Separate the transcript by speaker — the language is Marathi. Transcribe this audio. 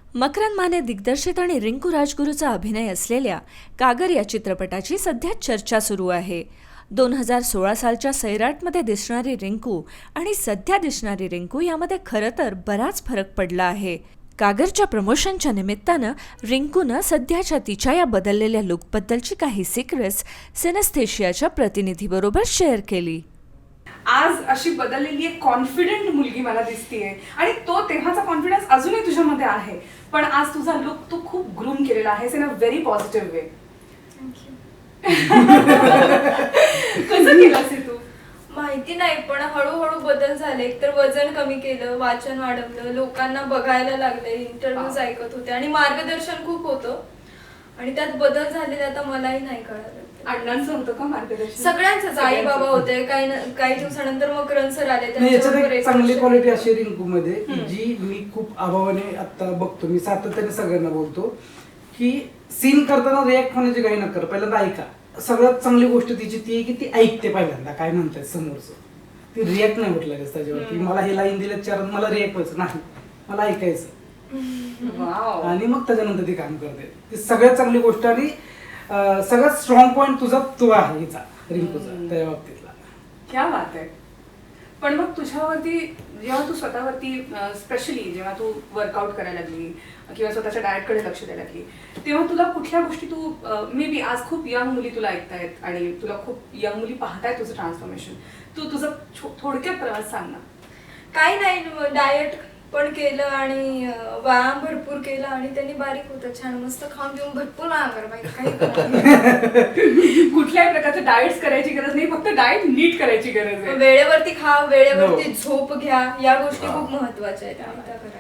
Speaker 1: मकरंद माने दिग्दर्शित आणि रिंकू राजगुरूचा अभिनय असलेल्या कागर या चित्रपटाची सध्या चर्चा सुरू आहे. 2016 सालच्या सैराटमध्ये दिसणारी रिंकू आणि सध्या दिसणारी रिंकू यामध्ये खरं तर बराच फरक पडला आहे. कागरच्या प्रमोशनच्या निमित्तानं रिंकूनं सध्याच्या तिच्या या बदललेल्या लुकबद्दलची काही सिक्रेट्स सिनेस्थेशियाच्या प्रतिनिधीबरोबर शेअर केली.
Speaker 2: आज अशी बदललेली एक कॉन्फिडंट मुलगी मला दिसतीये आणि तो तेव्हाचा कॉन्फिडन्स अजूनही तुझ्यामध्ये आहे. पण आज तुझा लुक तू खूप ग्रूम केलेला आहेस in a very positive way. कसं केलंस हे तू?
Speaker 3: माहिती नाही, पण हळूहळू बदल झाले. एकतर वजन कमी केलं, वाचन वाढवलं, लोकांना बघायला लागले, इंटरव्ह्यूज ऐकत होते आणि मार्गदर्शन खूप होतं आणि त्यात बदल झालेले आता मलाही नाही कळालं.
Speaker 2: अण्णांचं होतं का मार्गदर्शन?
Speaker 3: सगळ्यांचंच. आई बाबा होते, काही दिवसानंतर मकरंद सर आले.
Speaker 4: याच्यात एक चांगली क्वालिटी अशी रिंकू मध्ये जी मी खूप अभावाने आता बघतो, मी सातत्याने सगळ्यांना बोलतो की सीन करताना रिॲक्ट होण्याची काही नका, पहिल्यांदा ऐका. सगळ्यात चांगली गोष्ट तिची ती आहे की ती ऐकते पहिल्यांदा काय म्हणतात समोरचं. ती रिॲक्ट नाही म्हटलं त्याच्यावरती. मला हे लाईन दिलं चार मला रिॲक्ट व्हायचं नाही, मला ऐकायचं आणि मग त्याच्यानंतर ती काम करते. ती सगळ्यात चांगली गोष्ट आणि सगळ्यात स्ट्रॉंग पॉइंट तुझा तो आहे हिचा, रिंकूचा त्या बाबतीतला.
Speaker 2: क्या बात आहे. पण मग तुझ्यावरती जेव्हा तू स्वतःवरती स्पेशली जेव्हा तू वर्कआउट करायला लागली किंवा स्वतःच्या डाएटकडे लक्ष द्यायला लागली, तेव्हा तुला कुठल्या गोष्टी तू मे बी आज खूप यंग मुली तुला ऐकतायत आणि तुला खूप यंग मुली पाहतायत तुझं ट्रान्सफॉर्मेशन, तू तुझं थोडक्यात प्रवास सांग ना.
Speaker 3: काही नाही, डाएट पण केलं आणि व्यायाम भरपूर केला आणि त्यांनी बारीक होतं छान मस्त खाऊन पिऊन भरपूर व्यायाम करा पाहिजे. काही
Speaker 2: कुठल्याही प्रकारचं डाएट्स करायची गरज नाही, फक्त डाएट नीट करायची गरज आहे.
Speaker 3: वेळेवरती खा, वेळेवरती झोप घ्या, या गोष्टी खूप महत्वाच्या आहेत.